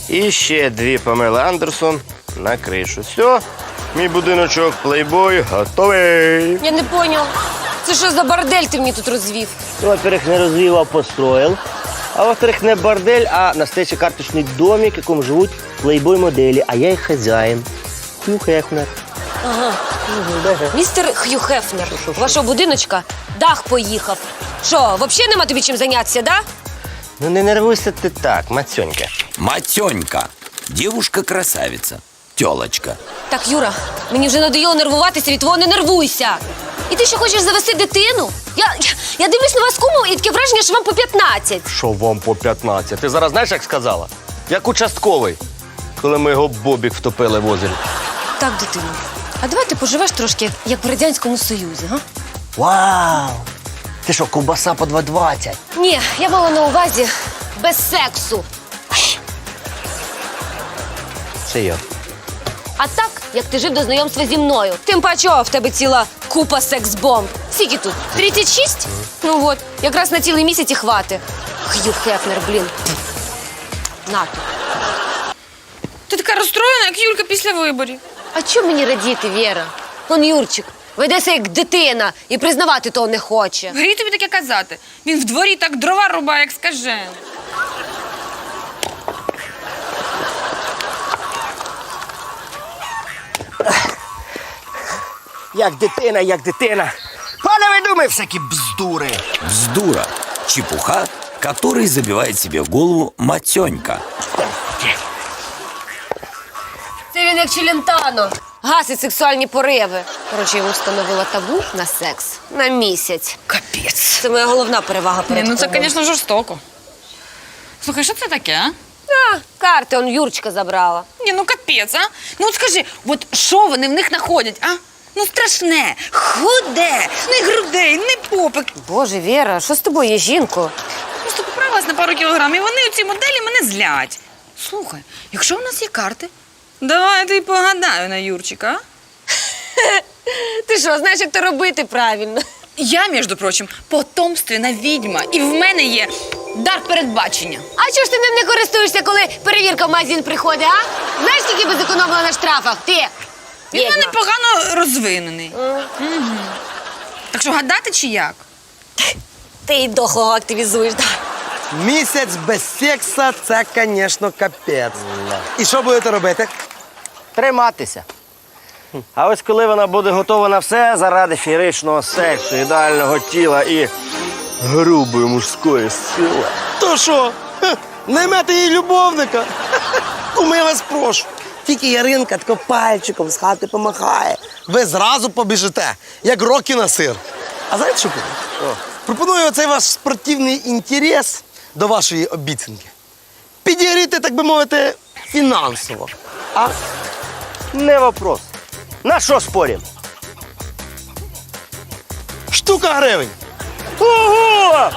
І ще 2 Памели Андерсон на кришу. Все, мій будиночок плейбой готовий. Я не понял. Це що за бордель ти мені тут розвів? Ну, во-первых, не развил, а построил. А во-вторых, не бордель, а настоящий карточный домик, в якому живуть плейбой-моделі, а я їх хазяїн. Хью Хефнер. Ага. Містер Хью Хефнер, у вашого будиночка дах поїхав. Що, взагалі нема тобі чим зайнятися, да? Ну не нервуйся ти так, Мацьонька. Матенька. Девушка-красавица. Тёлочка. Так, Юра, мені вже надоїло нервуватися від твого «не нервуйся». І ти що, хочеш завести дитину? Я дивлюсь на вас з кумом і таке враження, що вам по 15. Що вам по 15? Ти зараз знаєш, як сказала? Як участковий, коли ми його бобік втопили в озері. Так, дитино, а давай ти поживеш трошки, як в Радянському Союзі, га? Вау! Ти що, ковбаса по 2,20? Ні, я мала на увазі без сексу. Це я. А так, як ти жив до знайомства зі мною. Тим паче, в тебе ціла купа секс-бомб. Скільки тут? 36? Ну от, якраз на цілий місяць і хвати. Хью Хефнер, блін. На. Ти така розстроєна, як Юлька після виборів. А чому мені радіти, Віра? Он Юрчик ведеться як дитина і признавати того не хоче. Грій тобі таке казати. Він в дворі так дрова рубає, як скажений. Як дитина, як дитина. Пане, ви думаєте всякі бздури. Вздура. Чепуха, который забивает себе в голову матенька. Це він як Челентано. Гасить сексуальні пориви. Коротше, йому встановила табу на секс на місяць. Капець. Це моя головна перевага перед Ні, ну це, тобою. звісно, жорстоко. Слухай, що це таке, а? А, карти он Юрчика забрала. Ні, ну капець, а? Ну от скажи, от що вони в них знаходять, а? Ну страшне, худе, ні грудей, ні попик. Боже, Віра, що з тобою є, жінко? Просто поправилась на пару кілограмів, і вони оці моделі мене злять. Слухай, якщо у нас є карти, давай я тобі погадаю на Юрчика, а? Ти що, знаєш, як то робити правильно? Я, між прочим, потомственна відьма, і в мене є дар передбачення. А чого ж ти ним не користуєшся, коли перевірка в магазин приходить, а? Знаєш, скільки би зекономила на штрафах? Ти? Він в мене погано розвинений. Угу. Так що гадати чи як? Ти і дохлого активізуєш, так? Місяць без секса – це, звісно, капець. І що будете робити? Триматися. А ось коли вона буде готова на все заради феєричного сексу, ідеального тіла і грубої мужської сили. То що? Наймете їй любовника? Ну, я вас прошу. Тільки Яринка тако пальчиком з хати помахає. Ви зразу побіжите, як роки на сир. А знаєте, що буде? Пропоную оцей ваш спортивний інтерес до вашої обіцянки підігріти, так би мовити, фінансово. А? Не вопрос. На що спорім? Штука гривень. Ого!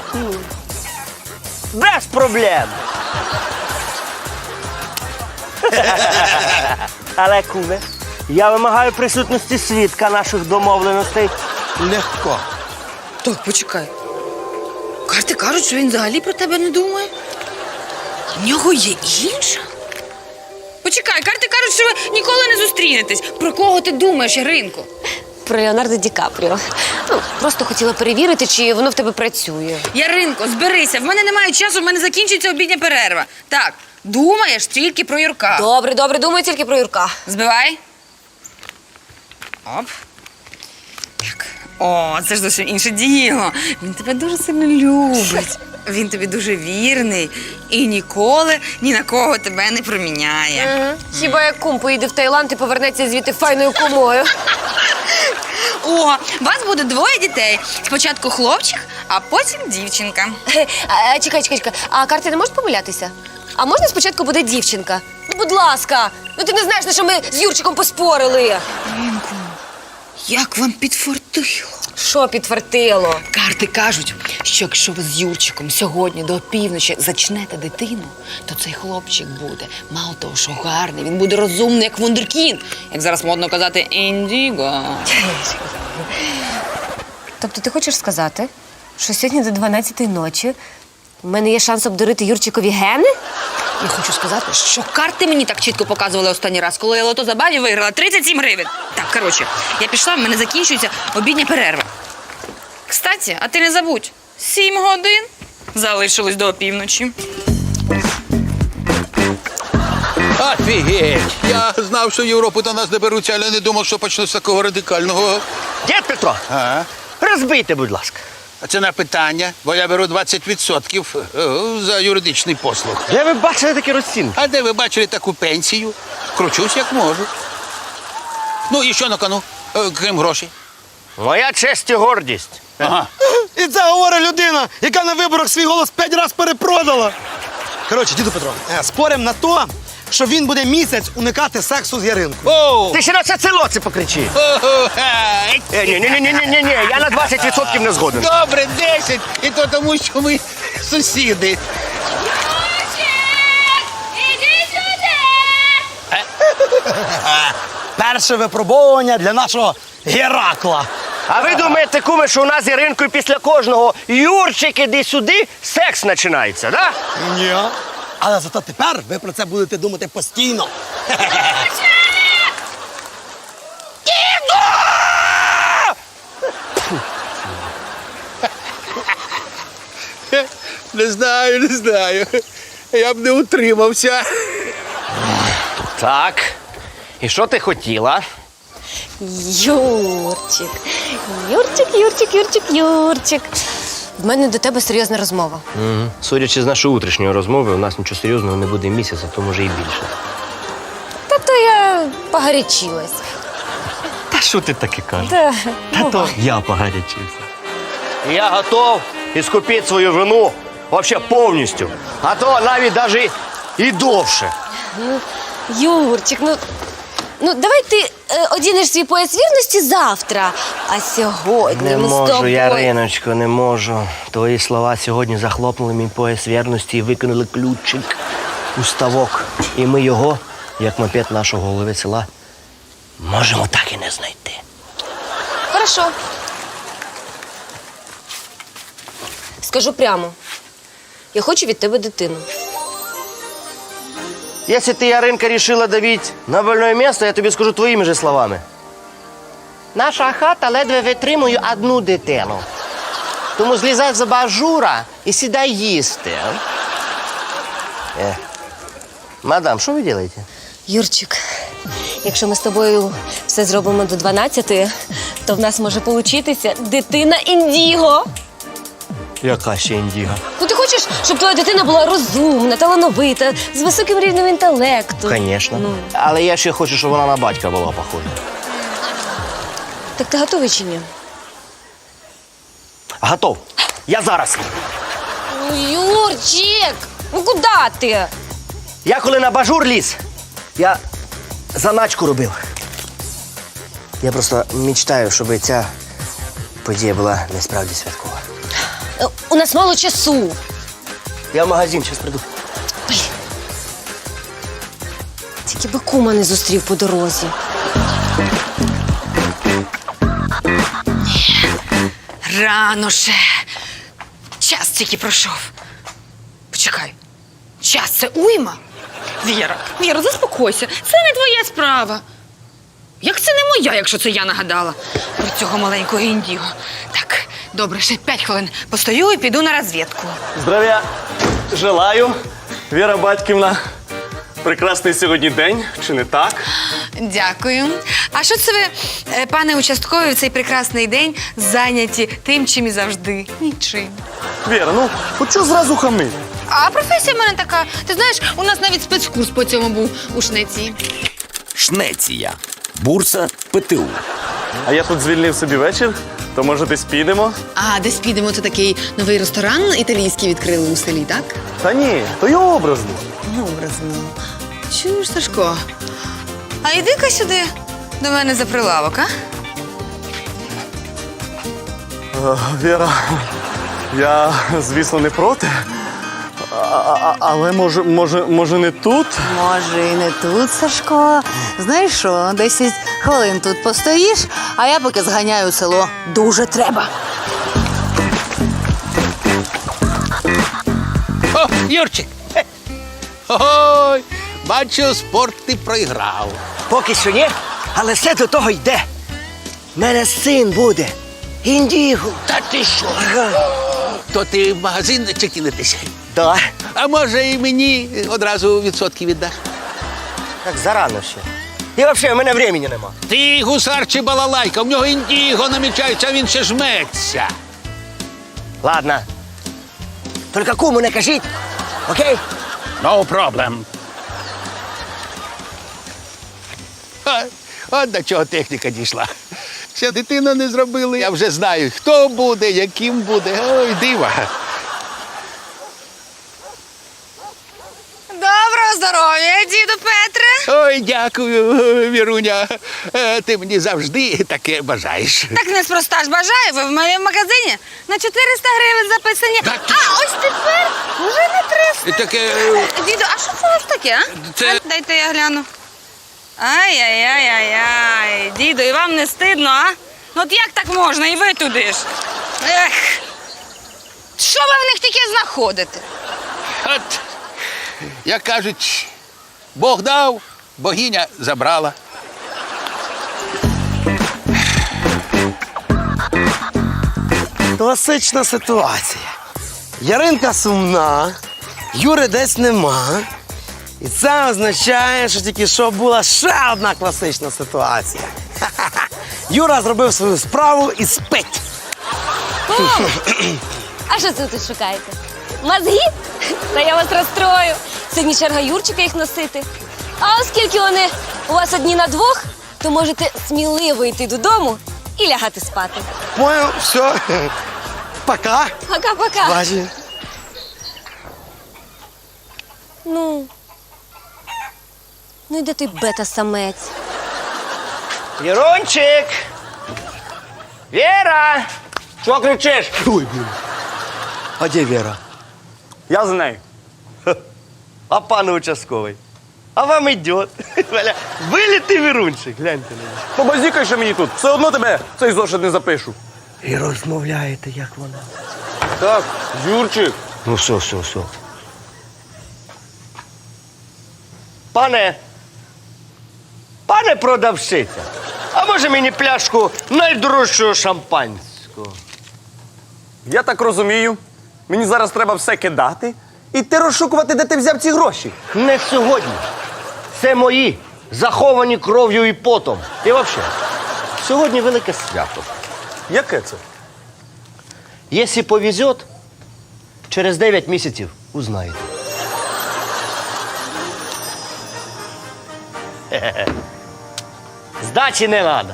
Без проблем. Але, куме, я вимагаю присутності свідка наших домовленостей. Легко. Так, почекай. Карти кажуть, що він взагалі про тебе не думає. В нього є інша? Почекай, карти кажуть, що ви ніколи не зустрінетесь. Про кого ти думаєш, Яринко? Про Леонардо Ді Капріо. Ну, просто хотіла перевірити, чи воно в тебе працює. Яринко, зберися, в мене немає часу, в мене закінчується обідня перерва. Так, думаєш тільки про Юрка. Добре, добре, думаю тільки про Юрка. Збивай. Оп. Так. О, це ж зовсім інше діло. Він тебе дуже сильно любить. Він тобі дуже вірний і ніколи ні на кого тебе не проміняє. Хіба як кум поїде в Таїланд і повернеться звідти файною кумою? О, вас буде 2 дітей. Спочатку хлопчик, а потім дівчинка. Чекай. А карти не можуть помилятися? А можна спочатку буде дівчинка? Ну, будь ласка. Ну, ти не знаєш, на що ми з Юрчиком поспорили. Яринко, як вам підфартило? Що підтвердило? Карти кажуть, що якщо ви з Юрчиком сьогодні до півночі зачнете дитину, то цей хлопчик буде, мало того, що гарний, він буде розумний, як вундеркінд. Як зараз модно казати, індіго. Тобто ти хочеш сказати, що сьогодні до 12-ї ночі в мене є шанс обдурити Юрчикові гени? Я хочу сказати, що карти мені так чітко показували останній раз, коли я лото забаві виграла 37 гривень. Так, коротше, я пішла, в мене закінчується обідня перерва. Кстати, а ти не забудь, 7 годин залишилось до опівночі. Офігеть! Я знав, що в Європу до нас доберуться, але не думав, що почну з такого радикального. Дід Петро, А? розбийте, будь ласка. А це на питання, бо я беру 20% за юридичний послуг. Де ви бачили такі розцінки? А де ви бачили таку пенсію? Кручусь як можу. Ну і що на кону, крім грошей? Моя честь і гордість. Ага. І це говорить людина, яка на виборах свій голос 5 разів перепродала. Коротше, діду Петро, спорим на то, що він буде місяць уникати сексу з Яринкою. Оу! Ти ще на це село це покричи. Ой! Ні, я на 20% не згоден. Добре, 10! І то тому, що ми сусіди. Перше випробовування для нашого Геракла. А ви думаєте, куме, що у нас з Яринкою після кожного Юрчик, іди сюди, секс починається, да? Ні. Але зато тепер ви про це будете думати постійно. Не знаю. Я б не утримався. Так. І що ти хотіла? Юрчик. Юрчик. В мене до тебе серйозна розмова. Судячи з нашої утрішньої розмови, у нас нічого серйозного не буде місяця, то може і більше. Та-то я погарячилась. Та що ти таке кажеш? Та я погарячився. Я готов іскупити свою вину взагалі повністю. А то навіть і довше. Юрчик, ну давай ти одінеш свій пояс вірності завтра. А сьогодні Не ми з можу, тобою... Яриночко, не можу. Твої слова сьогодні захлопнули мій пояс вірності і викинули ключик у ставок. І ми його, як мопед нашого голови села, можемо так і не знайти. Хорошо. Скажу прямо. Я хочу від тебе дитину. Якщо ти, Яринка, рішила давити на больне місце, я тобі скажу твоїми же словами. Наша хата ледве витримує одну дитину. Тому злізай з абажура і сідай їсти. Мадам, що ви робите? Юрчик, якщо ми з тобою все зробимо до 12-ї, то в нас може получитися дитина індіго. Яка ще індіга? Ну ти хочеш, щоб твоя дитина була розумна, талановита, з високим рівнем інтелекту? Звісно. Ну. Але я ще хочу, щоб вона на батька була похожа. Так ти готовий чи ні? Готов. Я зараз. Ну, Юрчик, ну куди ти? Я коли на бажур ліз, я заначку робив. Я просто мечтаю, щоб ця подія була насправді святкова. У нас мало часу. Я в магазин зараз прийду. Тільки би кума не зустрів по дорозі. Рано ще. Час тільки пройшов. Почекай. Час це уйма? Віра, заспокойся. Це не твоя справа. Як це не моя, якщо це я нагадала про цього маленького індіго? Так, добре, ще 5 хвилин постою і піду на розвідку. Здравия желаю, Віра Батьківна. Прекрасний сьогодні день, чи не так? Дякую. А що це ви, пане участковий, в цей прекрасний день зайняті тим, чим і завжди? Нічим. Віра, ну, от що зразу хамити? А професія в мене така. Ти знаєш, у нас навіть спецкурс по цьому був у Шнеції. Шнеція. Бурса ПТУ. А я тут звільнив собі вечір, то може десь підемо? А десь підемо, це такий новий ресторан італійський відкрили у селі, так? Та ні, то я образно. Образно. Чуєш, Сашко? А йди-ка сюди до мене за прилавок, а? Віра, я, звісно, не проти. Але може не тут? Може, і не тут, Сашко. Знаєш що, 10 хвилин тут постоїш, а я поки зганяю в село. Дуже треба. О, Юрчик! Ой, бачу, спорт ти проіграв. Поки що ні, але все до того йде. У мене син буде. Індіго. Та ти що? То ти в магазин чи кинетесь? Да. А може і мені одразу відсотки віддаш? Так зарано ще. І взагалі, у мене времени нема. Ти гусар чи балалайка, в нього індіго намічається, а він ще жметься. Ладно. Тільки куму не кажіть, окей? No problem. От до чого техніка дійшла. Ще дитину не зробили. Я вже знаю, хто буде, яким буде. Ой, дива. Доброго здоров'я, діду Петре. Ой, дякую, Віруня. Ти мені завжди таке бажаєш. Так неспроста ж бажаю, ви в мене в магазині на 400 гривень записані. Так. А ось тепер вже на 300. Таке. Діду, а що це у вас таке, а? Це- А, дайте я гляну. Ай-яй-яй-яй-яй. Діду, і вам не стидно, а? Ну от як так можна, і ви туди ж? Ех. Що ви в них таке знаходите? От, як кажуть, Бог дав, богиня забрала. Класична ситуація. Яринка сумна, Юри десь нема. І це означає, що тільки що була ще одна класична ситуація. Ха-ха-ха. Юра зробив свою справу і спить. А що це ви тут шукаєте? Мозги? Та я вас розстрою. Сьогодні черга Юрчика їх носити. А оскільки вони у вас одні на двох, то можете сміливо йти додому і лягати спати. Понял, все. Пока. Пока-пока. Бачи. Ну і де ти бета-самець? Вірончик! Віра! Чого кричиш? Ой, блин. А де Вера? Я з нею. А пан участковий? А вам идет. Вилітий Вірунчик, гляньте на нього. Побазікай ще мені тут. Все одно тебе цей зошит не запишу. І розмовляєте, як вона. Так, Юрчик. Ну, все. Пане продавщиця, а може мені пляшку найдорожчого шампанського? Я так розумію. Мені зараз треба все кидати і ти розшукувати, де ти взяв ці гроші. Не сьогодні. Це мої, заховані кров'ю і потом. І взагалі, сьогодні велике свято. Яке це? Якщо повезет, через 9 місяців узнаєте. Здачі не треба.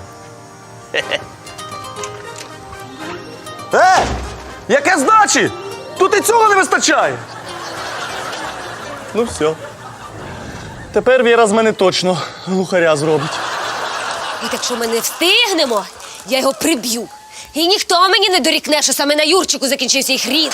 Яке здачі? Тут і цього не вистачає. Ну все. Тепер Віра з мене точно глухаря зробить. І якщо ми не встигнемо, я його приб'ю. І ніхто мені не дорікне, що саме на Юрчику закінчився їх рід.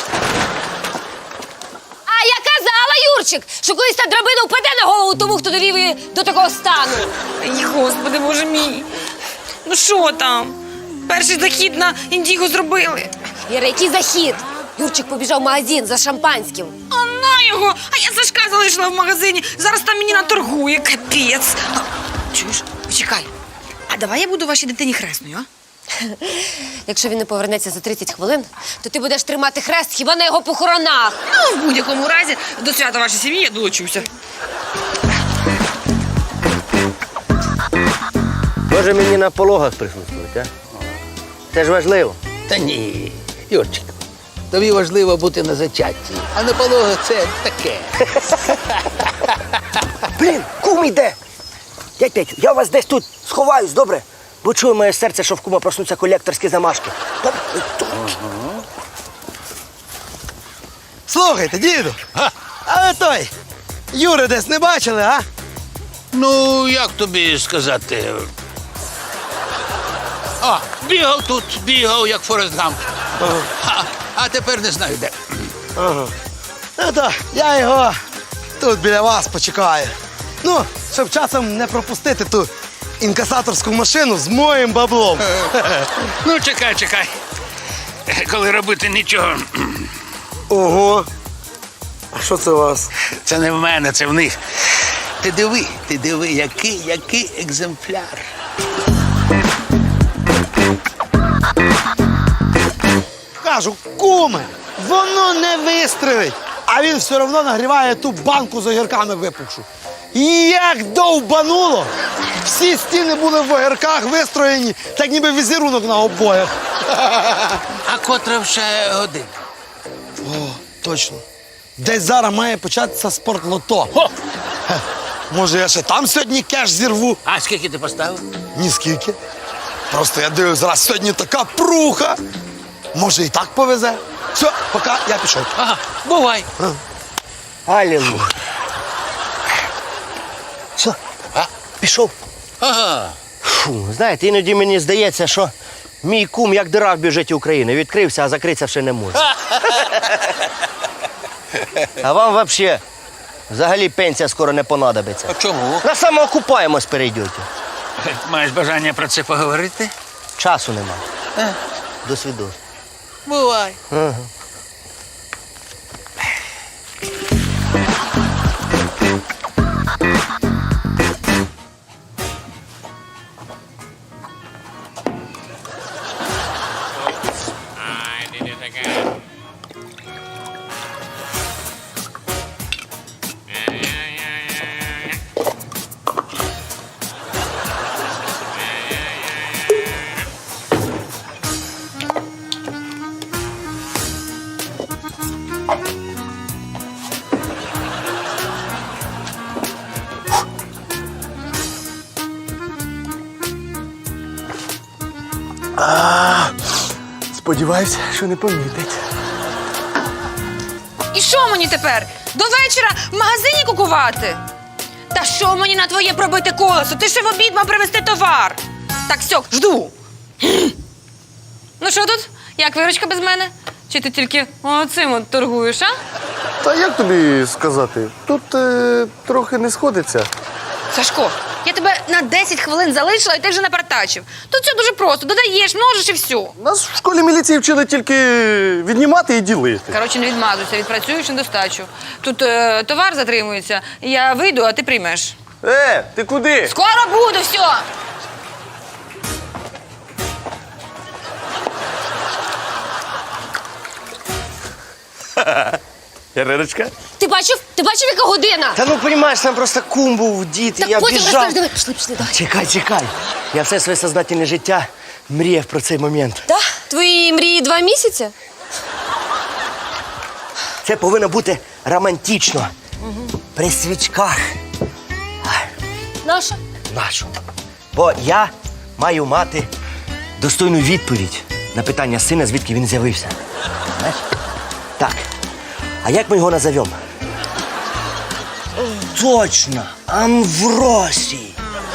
А я казала, Юрчик, що колись та драбина впаде на голову тому, хто довів її до такого стану. Ай, Господи, Боже мій. Ну що там? Перший захід на індіго зробили. Іра, який захід? Юрчик побіжав в магазин за шампанським. А на його! А я Сашка залишила в магазині. Зараз там мені наторгує, капець. А, чуєш? Почекай. А давай я буду вашій дитині хресною, а? Якщо він не повернеться за 30 хвилин, то ти будеш тримати хрест хіба на його похоронах. Ну, в будь-якому разі, до свята вашої сім'ї я долучуся. Може мені на пологах присутствувати, а? Це ж важливо. Та ні, Юрчик, тобі важливо бути на зачатті, а на пологах це таке. Блін, кум іде. Дядь Петю, я вас десь тут сховаюсь, добре? Бо чує моє серце, що в кума проснуться колекторські замашки. Добре? Слухайте, діду. А ви той, Юри десь не бачили, а? Ну, як тобі сказати? А, бігав, як Форест Гамп. А тепер не знаю де. Ну то я його тут біля вас почекаю. Ну, щоб часом не пропустити ту інкасаторську машину з моїм баблом. Ну, чекай. Коли робити нічого. Ого. А що це у вас? Це не в мене, це в них. Ти диви, який екземпляр. Кажу, куме, воно не вистрелить. А він все одно нагріває ту банку з огірками випухшу. І як довбануло, всі стіни були в огірках вистроєні, так ніби візерунок на обоях. А котра вже година? О, точно. Десь зараз має початися спортлото. О! Хе, може, я ще там сьогодні кеш зірву? А скільки ти поставив? Ніскільки. Просто я дивлюсь, зараз сьогодні така пруха. Може, і так повезе. Все, поки я пішов. Ага, бувай. Алілуя. Що? А? Пішов. Ага. Фу, знаєте, іноді мені здається, що мій кум як дира в бюджеті України. Відкрився, а закритися ще не може. А вам взагалі пенсія скоро не понадобиться. А чому? На самоокупаємось перейдете. Маєш бажання про це поговорити? Часу нема. До свідоцтва. Бувай. Сподіваюсь, що не помітить. І що мені тепер? До вечора в магазині кукувати? Та що мені на твоє пробите колесо? Ти ще в обід мав привезти товар. Так, все, жду. Ну що тут? Як виручка без мене? Чи ти тільки оцим от торгуєш, а? Та як тобі сказати? Тут трохи не сходиться. Сашко, я тебе на 10 хвилин залишила, і ти вже напартачив. Тут все дуже просто. Додаєш, множиш і все. Нас в школі міліції вчили тільки віднімати і ділити. Коротше, не відмазуйся, відпрацюєш на достачу. Тут товар затримується, я вийду, а ти приймеш. Ти куди? Скоро буду, все! Яриночка? Ти бачив, яка година? Та ну, розумієш, там просто кум був, дід, і Так я потім біжав. розкажеш, давай, пішли, давай. Чекай. Я все своє сознательне життя мріяв про цей момент. Да? Твої мрії 2 місяці? Це повинно бути романтично. При свічках. Наша? Нашу. Бо я маю мати достойну відповідь на питання сина, звідки він з'явився. Знаєш? Так. А як ми його назовемо? Точно! Амвросій!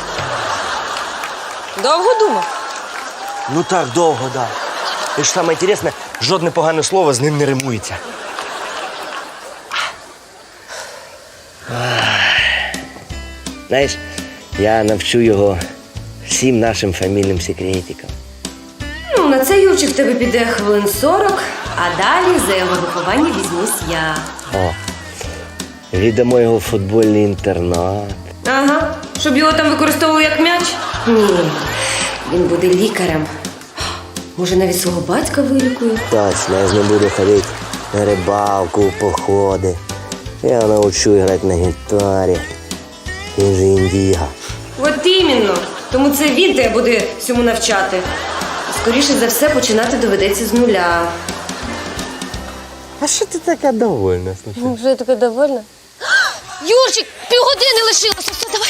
Довго думав? Ну так, довго, да. І ж саме інтересне, жодне погане слово з ним не римується. Знаєш, я навчу його всім нашим фамільним секретикам. Ну, на цей Юрчик в тебе піде хвилин 40, а далі за його виховання візьмусь я. О, віддамо його в футбольний інтернат. Ага. Щоб його там використовували як м'яч? Ні. Він буде лікарем. Може, навіть свого батька вилікує? Точно, я з ним буду ходити на рибалку, в походи. Я навчу грати на гітарі. Він же індіга. От іменно. Тому це він тебе буде всьому навчати. Скоріше за все, починати доведеться з нуля. А що ти така довольна? Вже я така довольна. Юрчик, півгодини лишилося. Все, давай.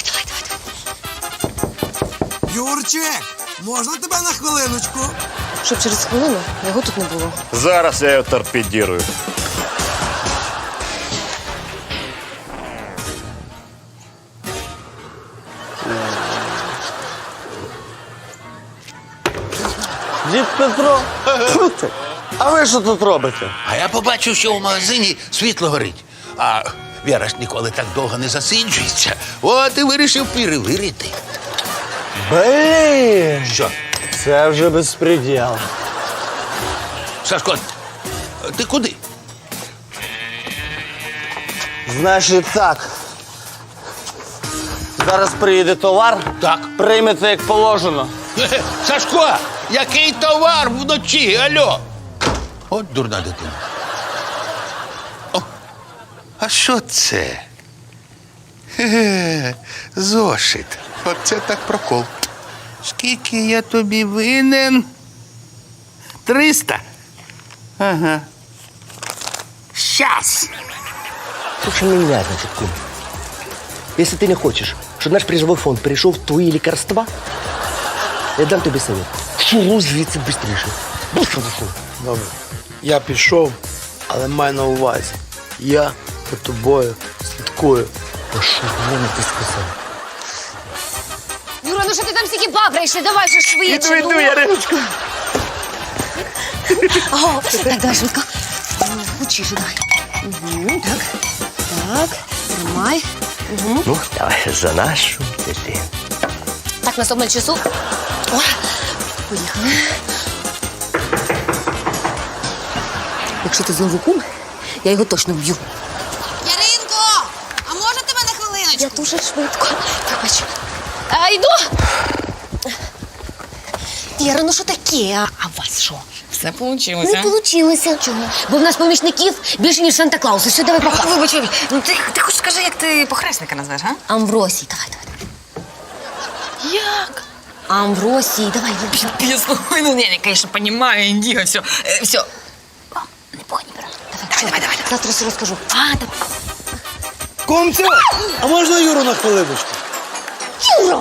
Юрчик, можна тебе на хвилиночку? Щоб через хвилину його тут не було. Зараз я його торпедірую. Дід Петро, а ви що тут робите? А я побачив, що в магазині світло горить. А Віра ж ніколи так довго не засиджується. От і вирішив перевірити. Блін, Що? це вже безпреділ. Сашко, ти куди? Значить так. Зараз приїде товар. Так. Приймете як положено. Хе-хе. Сашко, який товар вночі, алло? От дурна дитина. О, а що це? Хе-хе, зошит. Оце так прокол. Скільки я тобі винен? 300? Ага. Щас. Слушай меня, значит, кум. Если ты не хочешь, чтобы наш призовой фонд перешел в твои лекарства, я дам тебе совет. Шуруй звідси быстріше. Быстро зашел. Добре. Я пішов, але май на увазі. Я за тобою слідкую. Та що мене ти сказав? Юра, ну що ти там стільки бабраєшся? Давай вже швидше. Іду, Яриночко. Ого, так, давай швидко. Учиш, давай. Так, так, тримай. Ну, давай за нашу дитину. Так, на обмаль часу. О, поїхали. Якщо ти знову кум, я його точно вб'ю. Яринко, а можна тебе на хвилиночку? Я дуже швидко. Вибач. Йду. Віра, ну що таке? А у вас що? Все вийшло. Не получилося. Чого? Бо в нас помічників більше, ніж Санта-Клауса. Все, давай пока. Вибач, ну ти хоч скажи, як ти похресника назвеш, а? Амвросій, давай. Як? Амвросій, давай. Пісно. Ну, не, конечно, понимаю, індіго, все. Все. Не погонь, Віра. Давай. Завтра все розкажу. Давай. Кумцю, а можна Юру на хвилиночку? Юра!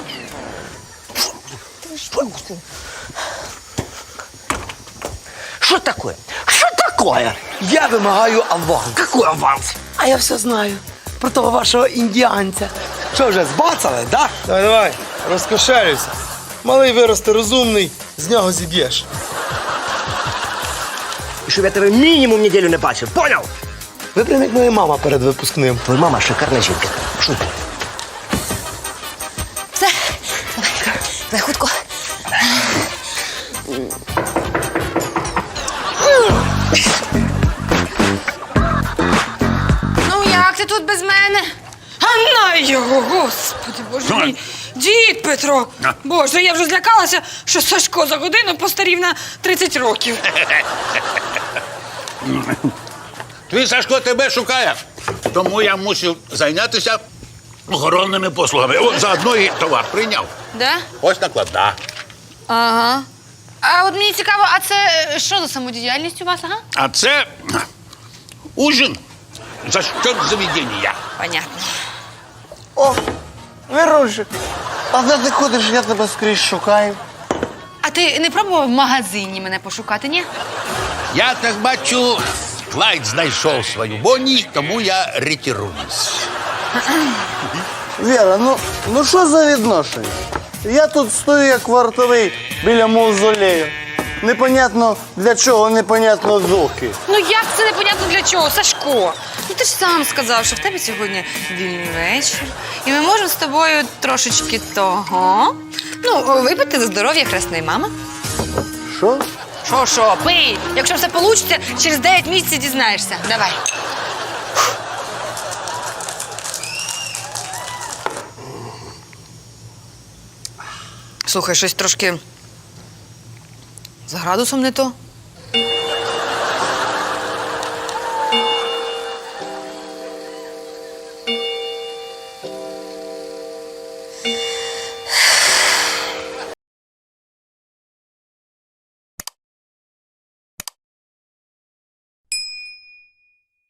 Что такое? Что такое? Я вимагаю аванс. Какой аванс? А я все знаю про того вашого індіанця. Що вже, збацали, да? Давай, розкошелюйся. Малий виросте розумний, з нього зіб'єш. И чтобы я тебе минимум неделю не бачив, понял? Ви прям як моя мама перед випускним. Твоя мама шикарна жінка. Що ти? Все. Давай хутко. Ну, як ти тут без мене? А на його, господи, боже мій. Дід Петро. Боже, я вже злякалася, що Сашко за годину постарів на 30 років. Твій Сашко тебе шукає, тому я мусив зайнятися охоронними послугами. О, заодно і товар прийняв. Да? Ось накладна. Ага. А от мені цікаво, а це що за самодіяльність у вас, ага? А це ужин за счет заведення. Понятно. О, Вірусик, а де ти ходиш, я тебе скрізь шукаю. А ти не пробував в магазині мене пошукати, ні? Я так бачу, Клайд знайшов свою Бонні, тому я ретируюсь. Віра, ну що за відношення? Я тут стою як вартовий біля мавзолею. Непонятно для чого, непонятно доки. Ну як це непонятно для чого, Сашко? Ну ти ж сам сказав, що в тебе сьогодні вільний вечір. І ми можемо з тобою трошечки того. Ну, випити за здоров'я хресної мами. Що? Що, пий. Якщо все вийде, через 9 місяців дізнаєшся. Давай. Слухай, щось трошки з градусом не то.